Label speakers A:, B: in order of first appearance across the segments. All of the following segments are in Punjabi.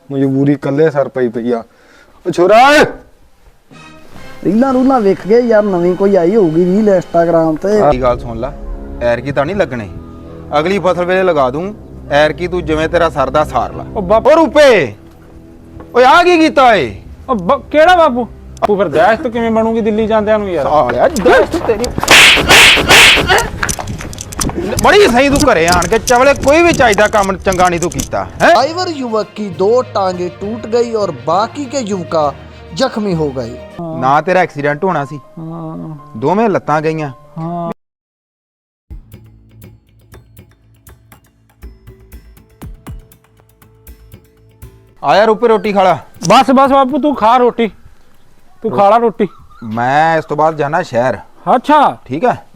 A: ਮਜਬੂਰੀ ਕੱਲੇ ਸਰ ਪਈ ਪਈ ਆ। ਓ ਛੋਰਾ
B: ਰੀਲਾਂ ਰੂਲਾਂ ਵੇਖ ਗਏ ਯਾਰ, ਨਵੀਂ ਕੋਈ ਆਈ ਹੋਊਗੀ ਰੀਲ ਇੰਸਟਾਗ੍ਰਾਮ ਤੇ।
C: ਇਹ ਗੱਲ ਸੁਣ ਲੈ, ਐਰਕੀ ਤਾਂ ਨਹੀਂ ਲੱਗਣੇ, ਅਗਲੀ ਫਸਲ ਵੇਲੇ ਲਗਾ ਦੂੰ। ਐਰਕੀ ਤੂੰ ਜਿਵੇਂ ਤੇਰਾ ਸਰਦਾ ਸਾਰ ਲਾ। ਓ ਰੁਪਏ, ਓਏ ਆ ਕੀ ਕੀਤਾ ਏ?
D: ਕਿਹੜਾ ਬਾਪੂ? ਬਾਪੂ ਫਿਰ ਦਹਿਸ਼ਤ ਕਿਵੇਂ ਬਣੂਗੀ ਦਿੱਲੀ ਜਾਂਦਿਆਂ ਨੂੰ ਯਾਰ?
C: ਸਾਲਿਆ ਦਹਿਸ਼ਤ ਤੇਰੀ बड़ी सही तू घरे आन के चवले कोई भी चाहिए काम चंगा नहीं तू कीता है।
B: ड्राइवर युवक की 2 टांगे टूट गई और बाकी के युवका जख्मी हो गए।
C: ना तेरा एक्सीडेंट होना सी, दोवें लत्तां गईयां। आया रुपए रोटी खाला।
D: बस बस बापू तू खा रोटी, तू खा ला रोटी।
C: मैं इस तो बाद जाना शहर।
D: अच्छा
C: ठीक है।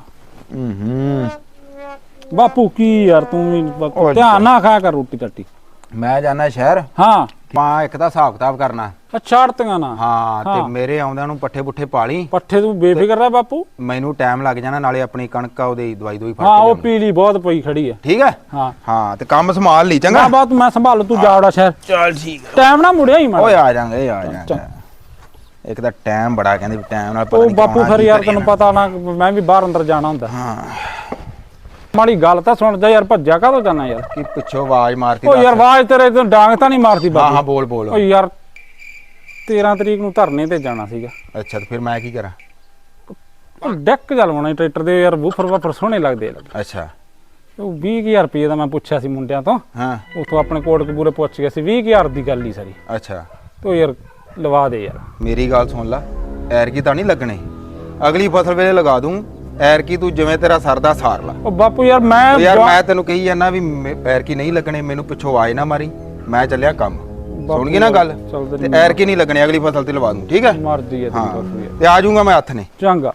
D: हाँ बापू की यार तू ध्यान ना खाया कर रोटी टट्टी।
C: मैं जाना शहर।
D: हाँ
C: एक दा हिसाब किताब करना।
D: अच्छा अड़तियां ना।
C: हाँ ते मेरे आउंदियां नूं पट्ठे पुट्ठे पाली।
D: पट्ठे तू बेफिक्र रह बापू,
C: मैनू टाइम लग जाना, नाले अपनी कणक ओदी दवाई दोई फड़
D: हाँ
C: के
D: वो पीली बहुत पई खड़ी है।
C: ठीक है।
D: हाँ
C: हाँ ते काम संभाल ली चंगा।
D: हाँ बात मैं संभालू, तू जा उड़ा शहर।
C: चल ठीक है।
D: टाइम ना मुड़िया ही मैं।
C: ओए आ जाएंगे आ जाएंगे। एक दा टाइम बड़ा कहंदे टाइम नाल पता
D: ओ
C: नहीं
D: बापू फिर यार तैनूं पता ना मैं भी बाहर अंदर जाना हुंदा।
C: हाँ
D: माड़ी गल तां सुन जा यार, भज्जा काहतों जाना यार?
C: कि पिछो आवाज मारती।
D: ओ यार आवाज तेरे तो डांग तां नहीं मारती बापू?
C: हाँ हाँ बोल बोल।
D: ओ यार 13 तरीक नूं धरने ते जाना सीगा।
C: अच्छा तो फिर मैं की करा?
D: ਡੈਕ ਚਲਵਾਉਣਾ ਟਰੈਕਟਰ ਦੇ ਯਾਰ, ਬੂਫਰ ਵਾਫਰ ਸੋਹਣੇ ਲੱਗਦੇ ਆ।
C: अच्छा
D: ਉਹ 20000 ਰੁਪਏ ਦਾ ਮੈਂ ਪੁੱਛਿਆ ਸੀ ਮੁੰਡਿਆਂ ਤੋਂ।
C: हाँ
D: ਉਥੋਂ ਆਪਣੇ ਕੋਟਕਪੂਰੇ ਪੁੱਛ ਗਿਆ ਸੀ, 20000 ਦੀ ਗੱਲ ਹੀ ਸਾਰੀ।
C: अच्छा
D: ਤੋ ਯਾਰ ਲਵਾ ਦੇ ਯਾਰ।
C: मेरी गल सुन ला, ਐਰਕੀ ਤਾਂ ਨਹੀਂ ਲੱਗਣੇ, ਅਗਲੀ ਫਸਲ ਵੇਲੇ ਲਗਾ ਦੂੰ। ਐਰਕੀ ਤੂੰ ਜਿਵੇਂ ਤੇਰਾ ਸਰਦਾ ਸਾਰ ਲਾ।
D: ਉਹ ਬਾਪੂ ਯਾਰ
C: ਮੈਂ ਤੈਨੂੰ ਕਹੀ ਜਾਂਦਾ ਵੀ ਐਰਕੀ ਨਹੀਂ ਲੱਗਣੇ, ਮੈਨੂੰ ਪਿੱਛੋਂ ਆਏ ਨਾ ਮਾਰੀ, ਮੈਂ ਚੱਲਿਆ ਕੰਮ। ਸੁਣ ਗਈ ਨਾ ਗੱਲ? ਤੇ ਐਰਕੀ ਨਹੀਂ ਲੱਗਣੇ, ਅਗਲੀ ਫਸਲ ਤੇ ਲਵਾ ਦੂੰ। ਠੀਕ ਹੈ।
D: ਮਰਦੀ ਹੈ
C: ਹਾਂ ਤੇ ਆ ਜਾਊਂਗਾ ਮੈਂ ਹੱਥ ਨੇ।
D: ਚੰਗਾ।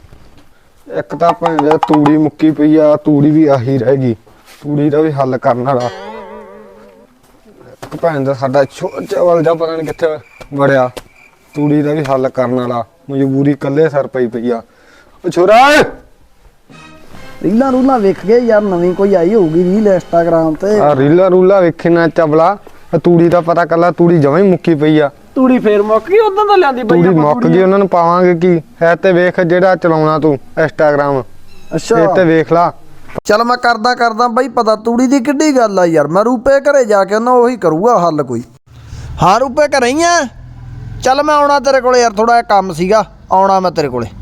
A: ਇੱਕ ਤਾਂ ਭਾਵੇਂ ਤੂੜੀ ਮੁੱਕੀ ਪਈ ਆ, ਤੂੜੀ ਵੀ ਆਹੀ ਰਹਿ ਗਈ, ਤੂੜੀ ਦਾ ਵੀ ਹੱਲ ਕਰਨ ਵਾਲਾ। ਇੱਕ ਭੈਣ ਦਾ ਸਾਡਾ ਚਵਲ ਜਾ ਪਤਾ ਨਹੀਂ ਕਿੱਥੇ ਵੜਿਆ, ਤੂੜੀ ਦਾ ਵੀ ਹੱਲ ਕਰਨ ਵਾਲਾ। ਮਜਬੂਰੀ ਕੱਲੇ ਸਰ ਪਈ ਪਈ ਆ। ਓ ਛੋਰਾ
B: ਰੀਲਾਂ ਰੂਲਾਂ ਵੇਖ ਗਏ ਯਾਰ, ਨਵੀਂ ਕੋਈ ਆਈ ਹੋਊਗੀ ਰੀਲ ਇੰਸਟਾਗ੍ਰਾਮ ਤੇ।
A: ਆ ਰੀਲਾ ਰੂਲਾ ਵੇਖੇ ਨਾ ਚਵਲਾ, ਤੂੜੀ ਦਾ ਪਤਾ ਕੱਲਾ ਤੂੜੀ ਜਮਾਂ ਹੀ ਮੁੱਕੀ ਪਈ ਆ।
B: ਤੂੜੀ ਫੇਰ ਮੁੱਕ ਗਈ, ਉਦੋਂ ਤਾਂ ਲਿਆਂਦੀ
A: ਤੂੜੀ ਮੁੱਕ ਗਈ, ਉਹਨਾਂ ਨੂੰ ਪਾਵਾਂਗੇ ਕੀ ਹੈ? ਤੇ ਵੇਖ ਜਿਹੜਾ ਚਲਾਉਣਾ ਤੂੰ ਇੰਸਟਾਗ੍ਰਾਮ,
B: ਅੱਛਾ
A: ਇਹ ਤੇ ਵੇਖ ਲਾ।
B: ਚੱਲ ਮੈਂ ਕਰਦਾ ਬਈ ਪਤਾ, ਤੂੜੀ ਦੀ ਕਿੱਡੀ ਗੱਲ ਆ ਯਾਰ। ਮੈਂ ਰੂਪੇ ਘਰੇ ਜਾ ਕੇ ਉਹਨਾਂ ਉਹੀ ਕਰੂਗਾ ਹੱਲ ਕੋਈ। ਹਾਂ ਰੂਪੇ ਘਰੇ ਹੀ ਆ, ਚੱਲ ਮੈਂ ਆਉਣਾ ਤੇਰੇ ਕੋਲੇ ਯਾਰ, ਥੋੜਾ ਜਿਹਾ ਕੰਮ ਸੀਗਾ, ਆਉਣਾ ਮੈਂ ਤੇਰੇ ਕੋਲੇ।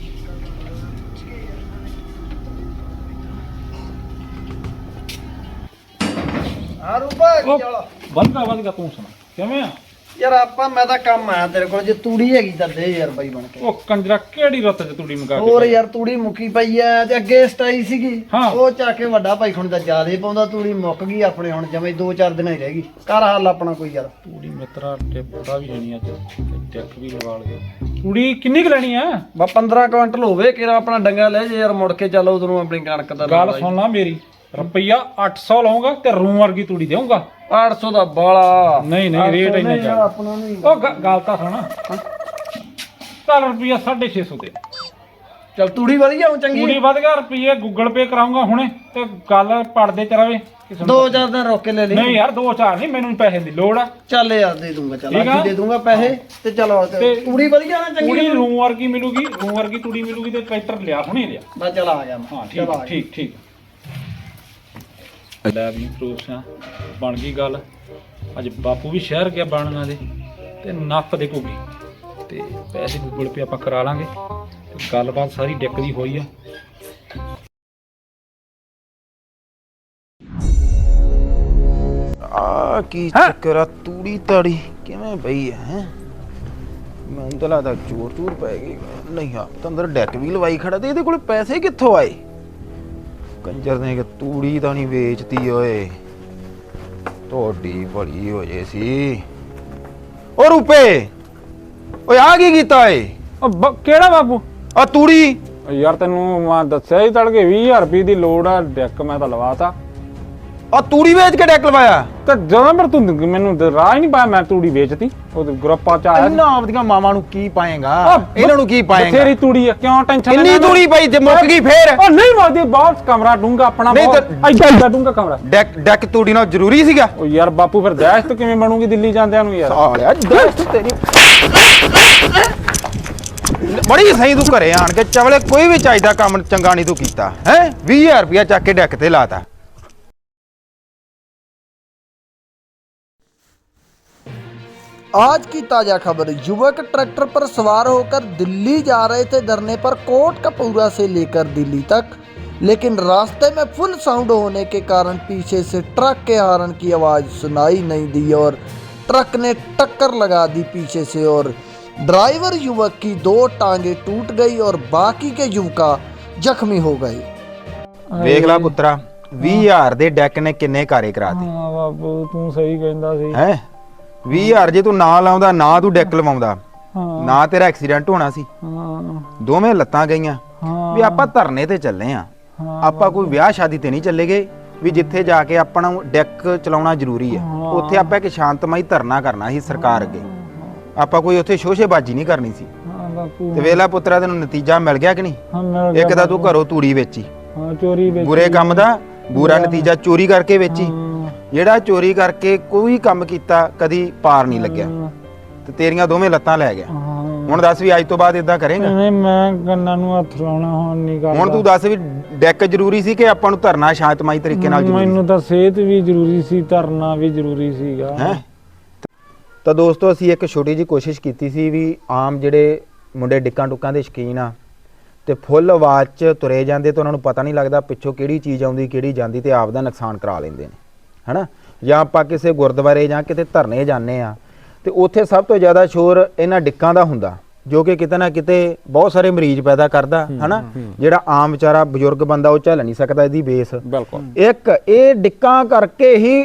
B: ਹਾਂ ਰੂਪੇ
D: ਵਧਗਾ ਤੂੰ ਸੁਣਾ ਕਿਵੇਂ ਆ
B: ਯਾਰ? ਮੈਂ ਤਾਂ ਕੰਮ ਆਇਆ ਤੇਰੇ ਕੋਲ, ਜੇ ਤੂੜੀ ਹੈਗੀ ਤਾਂ ਦੇ ਯਾਰ ਬਾਈ ਬਣ ਕੇ।
D: ਉਹ ਕੰਜਰਾ ਕਿਹੜੀ ਰੁੱਤ ਚ ਤੂੜੀ ਮੰਗਾ ਕੇ?
B: ਹੋਰ ਯਾਰ ਤੂੜੀ ਮੁੱਕੀ ਪਈ ਐ, ਤੇ ਅੱਗੇ ਸਟਾਈ ਸੀਗੀ,
D: ਹਾਂ।
B: ਉਹ ਚੱਕ ਕੇ ਵੱਡਾ ਭਾਈ ਖੁਣ ਦਾ ਜਿਆਦੇ ਪਾਉਂਦਾ, ਤੂੜੀ ਮੁੱਕ ਗਈ ਆਪਣੇ ਹੁਣ ਜਮੇ 2-4 ਦਿਨਾਂ ਹੀ ਰਹਿ ਗਈ। ਕਰ ਹੱਲ ਆਪਣਾ ਕੋਈ ਯਾਰ।
D: ਤੂੜੀ ਮਿੱਤਰਾ ਟਿੱਪਦਾ ਵੀ ਨਹੀਂ ਅੱਜ, ਟਿੱਕ ਵੀ ਲਵਾ ਲਗੇ। ਤੂੜੀ ਕਿੰਨੀ ਕੁ ਲੈਣੀ ਆ?
B: ਬਾ 15 ਕੁਇੰਟਲ ਹੋਵੇ ਕਿਰਾ, ਆਪਣਾ ਡੰਗਾ ਲੈ ਜੇ ਯਾਰ, ਮੁੜ ਕੇ ਚੱਲ ਉਧਰੋਂ ਆਪਣੀ ਕਣਕ ਦਾ।
D: ਗੱਲ ਸੁਣ ਲਾ ਮੇਰੀ, ਰੁਪਈਆ 800 ਲਾਉਂਗਾ ਤੇ ਰੂਮ ਵਰਗੀ ਤੂੜੀ ਦੇਊਂਗਾ।
B: 800 ਦਾ ਬਾਲਾ
D: ਨਹੀਂ ਰੇਟ ਇੰਨਾ ਚੱਲ।
B: ਆਪਣਾ ਨਹੀਂ।
D: ਉਹ ਗੱਲ ਤਾਂ ਸੁਣ, ਚੱਲ ਰੁਪਈਆ 650 ਦੇ।
B: ਚੱਲ ਤੂੜੀ ਵਧੀਆ ਹੋ ਚੰਗੀ।
D: ਤੂੜੀ ਵਧ ਗਿਆ, ਰੁਪਈਏ ਗੂਗਲ ਪੇ ਕਰਾਉਂਗਾ ਹੁਣੇ, ਤੇ ਗੱਲ ਪੜਦੇ ਚ ਰਵੇ।
B: 2-4 ਦਿਨ ਰੋਕ ਕੇ ਲੈ ਲਈ।
D: ਨਹੀਂ ਯਾਰ 2-4 ਨਹੀਂ, ਮੈਨੂੰ ਪੈਸੇ ਦੀ ਲੋੜ ਆ।
B: ਚੱਲ ਯਾਰ ਦੇ ਦੂੰਗਾ, ਚੱਲ
D: ਠੀਕ ਆ।
B: ਅੱਜ ਦੇ ਦੂੰਗਾ ਪੈਸੇ ਤੇ ਚਲੋ। ਤੂੜੀ ਵਧੀਆ ਨਾ ਚੰਗੀ?
D: ਤੂੜੀ ਰੂਮ ਵਰਗੀ ਮਿਲੂਗੀ, ਰੂਮ ਵਰਗੀ ਤੂੜੀ ਮਿਲੂਗੀ, ਤੇ ਟਰੈਕਟਰ ਲਿਆ ਹੁਣੇ ਲਿਆ।
B: ਬਸ ਚੱਲ ਆ ਗਿਆ ਮੈਂ।
D: ਹਾਂ ਠੀਕ ਲੈ ਵੀ ਪ੍ਰੂਫਾਂ ਬਣ ਗਈ ਗੱਲ। ਅੱਜ ਬਾਪੂ ਵੀ ਸ਼ਹਿਰ ਗਿਆ ਬਣਨਾ ਦੇ, ਤੇ ਨੱਪ ਦੇ ਘੁੱਗੀ, ਤੇ ਪੈਸੇ ਗੂਗਲ ਪੇ ਆਪਾਂ ਕਰਾ ਲਾਂਗੇ। ਗੱਲਬਾਤ ਸਾਰੀ ਡਿੱਕ ਦੀ ਹੋਈ ਆ।
C: ਆ ਕੀ ਚੱਕਰ ਆ? ਤੂੜੀ ਤਾੜੀ ਕਿਵੇਂ ਪਈ ਹੈ? ਮੈਨੂੰ ਤਾਂ ਲੱਗਦਾ ਚੋਰ ਪੈ ਗਈ। ਨਹੀਂ ਆ ਤਾਂ ਅੰਦਰ ਡੈਕ ਵੀ ਲਵਾਈ ਖੜਾ, ਤੇ ਇਹਦੇ ਕੋਲ ਪੈਸੇ ਕਿੱਥੋਂ ਆਏ? ਕੰਜਰ ਨੇ ਕਿ ਤੂੜੀ ਤਾਂ ਨਹੀਂ ਵੇਚਤੀ ਓਏ, ਤੁਹਾਡੀ ਭਲੀ ਹੋ ਜੇ ਸੀ। ਓ ਰੁਪਏ, ਓਏ ਆ ਕੀ ਕੀਤਾ ਏ?
D: ਕਿਹੜਾ ਬਾਪੂ?
C: ਆ ਤੂੜੀ
D: ਯਾਰ ਤੈਨੂੰ ਮੈਂ ਦੱਸਿਆ ਹੀ ਤੜਕੇ 20000 ਰੁਪਏ ਦੀ ਲੋੜ ਆ, ਡੈਕ ਮੈਂ ਤਾਂ ਲਵਾਤਾ।
C: ਆ ਤੂੜੀ ਵੇਚ ਕੇ ਡੈਕ ਲਵਾਇਆ
D: ਤੇ ਜਦੋਂ ਪਰ ਤੂੰ ਮੈਨੂੰ ਤਾਂ ਰਾਹ ਹੀ ਨਹੀਂ ਪਾਇਆ, ਮੈਂ ਤੂੜੀ ਵੇਚਤੀ ਉਹ ਗਰੁੱਪਾਂ ਚ ਆਇਆ ਸੀ।
C: ਇਹਨਾਂ ਆਪਦੀਆਂ ਮਾਵਾਂ ਨੂੰ ਕੀ ਪਾਏਗਾ ਇਹਨਾਂ ਨੂੰ ਕੀ ਪਾਏਗਾ
D: ਬਥੇਰੀ ਤੂੜੀ ਆ, ਕਿਉਂ ਟੈਨਸ਼ਨ
C: ਇੰਨੀ ਤੂੜੀ ਪਈ ਜੇ ਮੁੱਕ ਗਈ ਫੇਰ
D: ਉਹ ਨਹੀਂ ਮੋਦੀ, ਬਹੁਤ ਕਮਰਾ ਡੂੰਗਾ ਆਪਣਾ,
C: ਨਹੀਂ
D: ਬਹੁਤ ਐਡਾ ਡੂੰਗਾ ਕਮਰਾ।
C: ਡੈਕ ਤੂੜੀ ਨਾਲ ਜ਼ਰੂਰੀ ਸੀਗਾ
D: ਉਹ ਯਾਰ ਬਾਪੂ ਫਿਰ ਦਹਿਸ਼ਤ ਕਿਵੇਂ ਬਣੂਗੀ ਦਿੱਲੀ ਜਾਂਦਿਆਂ ਨੂੰ ਯਾਰ।
C: ਸਾਲਿਆ ਦਸਤ ਤੇਰੀ ਬੜੀ ਸਹੀ ਤੂੰ ਘਰੇ ਆਣ ਕੇ ਚਵਲੇ ਕੋਈ ਵੀ ਚਾਹੀਦਾ ਕੰਮ ਚੰਗਾ ਨਹੀਂ ਤੂੰ ਕੀਤਾ ਹੈ 20000 ਰੁਪਇਆ ਚੱਕ ਕੇ ਡੈਕ ਤੇ ਲਾਤਾ।
B: आज की ताजा खबर, युवक ट्रैक्टर पर सवार होकर दिल्ली जा रहे थे धरने पर कोटकपूरा से लेकर दिल्ली तक, लेकिन रास्ते में फुल साउंड होने के कारण पीछे से ट्रक के हॉर्न की आवाज़ सुनाई नहीं दी और ट्रक ने टक्कर लगा दी पीछे से और ड्राइवर युवक की 2 टांगें टूट गई और बाकी के युवका जख्मी हो गए।
C: ਵੇਖ ਲੈ ਪੁੱਤਰਾ 20000 ਦੇ ਡੈਕ ਨੇ ਕਿੰਨੇ ਕਾਰੇ ਕਰਾਤੇ
D: ਹਾਂ ਬਾਪੂ ਤੂੰ ਸਹੀ ਕਹਿੰਦਾ ਸੀ।
C: ਹੈ 20000 ਜੇ ਤੂੰ ਨਾ ਲਾਉਂਦਾ ਨਾ ਤੂੰ ਡੈਕ ਲਵਾਉਂਦਾ
D: ਹਾਂ
C: ਨਾ ਤੇਰਾ ਐਕਸੀਡੈਂਟ ਹੋਣਾ ਸੀ।
D: ਹਾਂ
C: ਦੋਵੇਂ ਲੱਤਾਂ ਗਈਆਂ
D: ਹਾਂ
C: ਵੀ ਆਪਾਂ ਧਰਨੇ ਤੇ ਚੱਲੇ ਆ ਆਪਾਂ ਕੋਈ ਵਿਆਹ ਸ਼ਾਦੀ ਤੇ ਨਹੀਂ ਚੱਲੇ ਗਏ ਵੀ ਜਿੱਥੇ ਜਾ ਕੇ ਆਪਾਂ ਨੂੰ ਡੈਕ ਚਲਾਉਣਾ ਜ਼ਰੂਰੀ ਹੈ। ਉੱਥੇ ਆਪਾਂ ਇੱਕ ਸ਼ਾਂਤਮਈ ਧਰਨਾ ਕਰਨਾ ਸੀ ਸਰਕਾਰ ਅੱਗੇ, ਆਪਾਂ ਕੋਈ ਉੱਥੇ ਸ਼ੋਸ਼ੇਬਾਜ਼ੀ ਨਹੀਂ ਕਰਨੀ ਸੀ।
D: ਹਾਂ ਬਾਪੂ
C: ਤੇ ਵੇਲਾ ਪੁੱਤਰਾ ਤੈਨੂੰ ਨਤੀਜਾ ਮਿਲ ਗਿਆ ਕਿ ਨਹੀਂ?
D: ਹਾਂ ਮਿਲ ਗਿਆ
C: ਇੱਕ ਤਾਂ ਤੂੰ ਘਰੋਂ ਤੂੜੀ ਵੇਚੀ,
D: ਹਾਂ ਚੋਰੀ ਵਿੱਚ
C: ਬੁਰੇ ਕੰਮ ਦਾ ਬੁਰਾ ਨਤੀਜਾ ਚੋਰੀ ਕਰਕੇ ਵੇਚੀ। ਜਿਹੜਾ ਚੋਰੀ ਕਰਕੇ ਕੋਈ ਕੰਮ ਕੀਤਾ ਕਦੀ ਪਾਰ ਨਹੀਂ ਲੱਗਿਆ ਤੇ ਤੇਰੀਆਂ ਦੋਵੇਂ ਲੱਤਾਂ ਲੈ ਗਿਆ। ਹੁਣ ਦੱਸ ਵੀ ਅੱਜ ਤੋਂ ਬਾਅਦ ਇਦਾਂ ਕਰੇਂਗਾ?
D: ਨਹੀਂ ਮੈਂ ਕੰਨਾਂ ਨੂੰ ਹੱਥ ਲਾਉਣਾ ਹੁਣ ਨਹੀਂ ਕਰਦਾ।
C: ਹੁਣ ਤੂੰ ਦੱਸ ਵੀ ਡੈਕ ਜ਼ਰੂਰੀ ਸੀ ਕਿ ਆਪਾਂ ਨੂੰ ਧਰਨਾ ਸ਼ਾਂਤਮਈ ਤਰੀਕੇ ਨਾਲ ਜ਼ਰੂਰੀ
D: ਮੈਨੂੰ ਤਾਂ ਸਿਹਤ ਵੀ ਜ਼ਰੂਰੀ ਸੀ, ਧਰਨਾ ਵੀ ਜ਼ਰੂਰੀ ਸੀਗਾ।
C: ਹੈ? ਤਾਂ ਦੋਸਤੋ ਅਸੀਂ ਇੱਕ ਛੋਟੀ ਜਿਹੀ ਕੋਸ਼ਿਸ਼ ਕੀਤੀ ਸੀ ਵੀ ਆਮ ਜਿਹੜੇ ਮੁੰਡੇ ਡਿੱਕਾਂ ਟੁੱਕਾਂ ਦੇ ਸ਼ੌਕੀਨ ਆ ਤੇ ਫੁੱਲ ਆਵਾਜ਼ 'ਚ ਤੁਰੇ ਜਾਂਦੇ ਤੇ ਉਹਨਾਂ ਨੂੰ ਪਤਾ ਨਹੀਂ ਲੱਗਦਾ ਪਿੱਛੋਂ ਕਿਹੜੀ ਚੀਜ਼ ਆਉਂਦੀ ਕਿਹੜੀ ਜਾਂਦੀ ਤੇ ਆਪ ਦਾ ਨੁਕਸਾਨ ਕਰਾ ਲੈਂਦੇ ਨੇ, ਹਨਾ। ਜਾਂ ਆਪਾਂ ਕਿਸੇ ਗੁਰਦੁਆਰੇ ਜਾਂ ਕਿਤੇ ਧਰਨੇ ਜਾਂਦੇ ਆ ਤੇ ਉੱਥੇ ਸਭ ਤੋਂ ਜ਼ਿਆਦਾ ਸ਼ੋਰ ਇਹਨਾਂ ਡਿੱਕਾਂ ਦਾ ਹੁੰਦਾ ਜੋ ਕਿ ਕਿਤੇ ਨਾ ਕਿਤੇ ਬਹੁਤ ਸਾਰੇ ਮਰੀਜ਼ ਪੈਦਾ ਕਰਦਾ, ਹਨਾ। ਜਿਹੜਾ ਆਮ ਵਿਚਾਰਾ ਬਜ਼ੁਰਗ ਬੰਦਾ ਉਹ ਝੱਲ ਨਹੀਂ ਸਕਦਾ ਇਹਦੀ ਬੇਸ।
D: ਬਿਲਕੁਲ
C: ਇੱਕ ਇਹ ਡਿੱਕਾਂ ਕਰਕੇ ਹੀ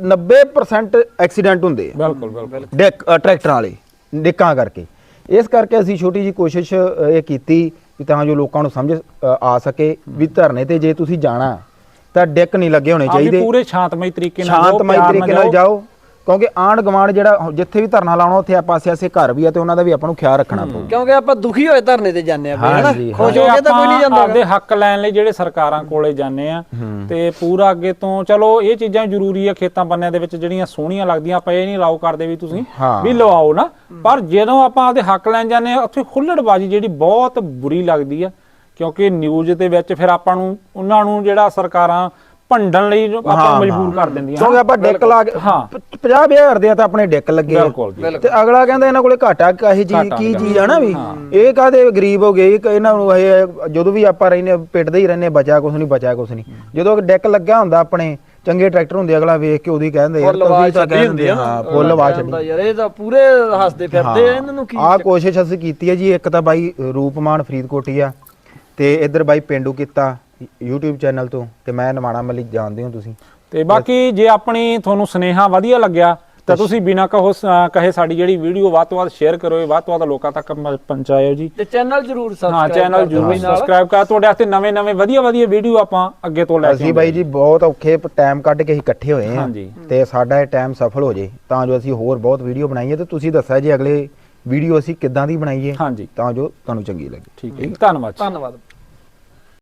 C: 90% ਐਕਸੀਡੈਂਟ ਹੁੰਦੇ ਆ।
D: ਬਿਲਕੁਲ
C: ਡੈਕ ਟਰੈਕਟਰਾਂ ਵਾਲੇ ਡਿੱਕਾਂ ਕਰਕੇ। ਇਸ ਕਰਕੇ ਅਸੀਂ ਛੋਟੀ ਜੀ ਕੋਸ਼ਿਸ਼ ਇਹ ਕੀਤੀ ਵੀ ਤਾਂ ਜੋ ਲੋਕਾਂ ਨੂੰ ਸਮਝ ਆ ਸਕੇ ਵੀ ਧਰਨੇ ਤੇ ਜੇ ਤੁਸੀਂ ਜਾਣਾ ਤਾਂ ਡੈਕ ਨਹੀਂ ਲੱਗੇ ਹੋਣੇ ਚਾਹੀਦੇ,
D: ਪੂਰੇ ਸ਼ਾਂਤਮਈ ਤਰੀਕੇ ਨਾਲ
C: ਸ਼ਾਂਤਮਈ ਤਰੀਕੇ ਨਾਲ ਜਾਓ। ਕਿਉਂਕਿ ਆਂਢ ਗਵਾਂਢ ਜਿਹੜਾ ਜਿੱਥੇ ਵੀ ਧਰਨਾ ਲਾਉਣਾ ਉੱਥੇ ਆਪਾਂ ਆਸੇ ਘਰ ਵੀ ਆ ਤੇ ਉਹਨਾਂ ਦਾ ਵੀ ਆਪਾਂ ਨੂੰ ਖਿਆਲ ਰੱਖਣਾ ਪਊ।
B: ਕਿਉਂਕਿ ਆਪਾਂ ਦੁਖੀ ਹੋਏ ਧਰਨੇ ਤੇ ਜਾਂਦੇ ਆ ਬਈ, ਹਨਾ।
C: ਹਾਂਜੀ,
B: ਖੁਸ਼ ਹੋ ਕੇ ਤਾਂ ਕੋਈ ਨਹੀਂ ਜਾਂਦਾ।
D: ਆਪਦੇ ਹੱਕ ਲੈਣ ਲਈ ਜਿਹੜੇ ਸਰਕਾਰਾਂ ਕੋਲੇ ਜਾਂਦੇ ਆ ਤੇ ਪੂਰਾ ਅੱਗੇ ਤੋਂ ਚਲੋ ਇਹ ਚੀਜ਼ਾਂ ਜ਼ਰੂਰੀ ਆ ਖੇਤਾਂ ਬੰਨਿਆਂ ਦੇ ਵਿੱਚ ਜਿਹੜੀਆਂ ਸੋਹਣੀਆਂ ਲੱਗਦੀਆਂ, ਆਪਾਂ ਇਹ ਨਹੀਂ ਅਲਾਉ ਕਰਦੇ ਵੀ ਤੁਸੀਂ ਵੀ ਲਵਾਓ ਨਾ, ਪਰ ਜਦੋਂ ਆਪਾਂ ਆਪਦੇ ਹੱਕ ਲੈਣ ਜਾਂਦੇ ਆ ਉੱਥੇ ਖੁੱਲੜਬਾਜ਼ੀ ਜਿਹੜੀ ਬਹੁਤ ਬੁਰੀ ਲੱਗਦੀ ਆ। ਕਿਉਂਕਿ ਨਿਊਜ਼ ਦੇ ਵਿੱਚ ਫਿਰ ਆਪਾਂ ਨੂੰ ਉਹਨਾਂ ਨੂੰ ਜਿਹੜਾ ਸਰਕਾਰਾਂ ਭੰਡਣ ਲਈ ਆਪਾਂ ਮਜਬੂਰ ਕਰ ਦਿੰਦੀਆਂ।
C: ਕਿਉਂਕਿ ਆਪਾਂ ਡੈਕ ਲਾ ਕੇ 50,000 ਦੇ ਤਾਂ ਆਪਣੇ ਡੈਕ ਲੱਗੇ ਤੇ ਅਗਲਾ ਕਹਿੰਦਾ ਇਹਨਾਂ ਕੋਲੇ ਘਾਟਾ ਕਾਹੀ ਚੀਜ਼ ਕੀ ਚੀਜ਼ ਆ ਨਾ ਵੀ ਇਹ ਕਾਹਦੇ ਗਰੀਬ ਹੋ ਗਏ ਇਹਨਾਂ ਨੂੰ ਇਹ ਜਦੋਂ ਵੀ ਆਪਾਂ ਰਹਿੰਦੇ ਪਿੱਟਦੇ ਹੀ ਰਹਿੰਦੇ ਬਚਾ ਕੁਛ ਨਹੀਂ ਬਚਾ ਕੁਛ ਨਹੀਂ। ਜਦੋਂ ਡੈਕ ਲੱਗਿਆ ਹੁੰਦਾ ਆਪਣੇ ਚੰਗੇ ਟਰੈਕਟਰ ਹੁੰਦੇ ਅਗਲਾ ਵੇਖ ਕੇ ਉਹਦੀ ਕਹਿੰਦੇ ਯਾਰ ਤੁਸੀਂ ਤਾਂ ਕਹਿੰਦੇ ਹਾਂ ਫੁੱਲ ਆਵਾਜ਼ ਛੱਡੀ
B: ਯਾਰ ਇਹ ਤਾਂ ਪੂਰੇ ਹੱਸਦੇ ਫਿਰਦੇ ਆ, ਇਹਨਾਂ ਨੂੰ ਕੀ
C: ਆਹ ਕੋਸ਼ਿਸ਼ ਅਸੀਂ ਕੀਤੀ ਹੈ ਜੀ। ਇੱਕ ਤਾਂ ਬਾਈ ਰੂਪਮਾਨ ਫਰੀਦਕੋਟੀ ਆ ਤੇ ਇੱਧਰ ਬਾਈ ਪਿੰਡੂ ਕੀਤਾ YouTube ਚੈਨਲ ਤੋਂ ਤੇ ਮੈਂ ਨਵਾਣਾ ਮਲਿਕ ਜਾਣਦੇ ਹੋ ਤੁਸੀਂ।
D: ਤੇ ਬਾਕੀ ਜੇ ਆਪਣੀ ਤੁਹਾਨੂੰ ਸੁਨੇਹਾ ਵਧੀਆ ਲੱਗਿਆ ਤਾਂ ਤੁਸੀਂ ਬਿਨਾਂ ਕਹੇ ਸਾਡੀ ਜਿਹੜੀ ਵੀਡੀਓ ਵੱਧ ਤੋਂ ਵੱਧ ਸ਼ੇਅਰ ਕਰੋ, ਵੱਧ ਤੋਂ ਵੱਧ ਲੋਕਾਂ ਤੱਕ ਪਹੁੰਚਾਇਓ ਜੀ।
B: ਤੇ ਚੈਨਲ ਜ਼ਰੂਰ ਸਬਸਕ੍ਰਾਈਬ
D: ਹਾਂ ਚੈਨਲ ਜ਼ਰੂਰ ਸਬਸਕ੍ਰਾਈਬ ਕਰ, ਤੁਹਾਡੇ ਵਾਸਤੇ ਨਵੇਂ ਵਧੀਆ ਵੀਡੀਓ ਆਪਾਂ ਅੱਗੇ ਤੋਂ ਲੈ ਕੇ
C: ਅਸੀਂ ਬਾਈ ਜੀ ਬਹੁਤ ਔਖੇ ਟਾਈਮ ਕੱਢ ਕੇ ਅਸੀਂ ਇਕੱਠੇ ਹੋਏ ਹਾਂ
D: ਹਾਂਜੀ।
C: ਤੇ ਸਾਡਾ ਇਹ ਟਾਈਮ ਸਫਲ ਹੋ ਜੇ ਤਾਂ ਜੋ ਅਸੀਂ ਹੋਰ ਬਹੁਤ ਵੀਡੀਓ ਬਣਾਈਏ ਤੇ ਤੁਸੀਂ ਦੱਸਿਆ ਜੀ ਅਗਲੇ ਵੀਡੀਓ ਅਸੀਂ ਕਿੱਦਾਂ ਦੀ ਬਣਾਈਏ
D: ਹਾਂਜੀ
C: ਤਾਂ ਜੋ ਤੁਹਾਨੂੰ ਚੰਗੀ ਲੱਗੇ।
D: ਠੀਕ ਹੈ, ਧੰਨਵਾਦ।
B: ਧੰਨਵਾਦ।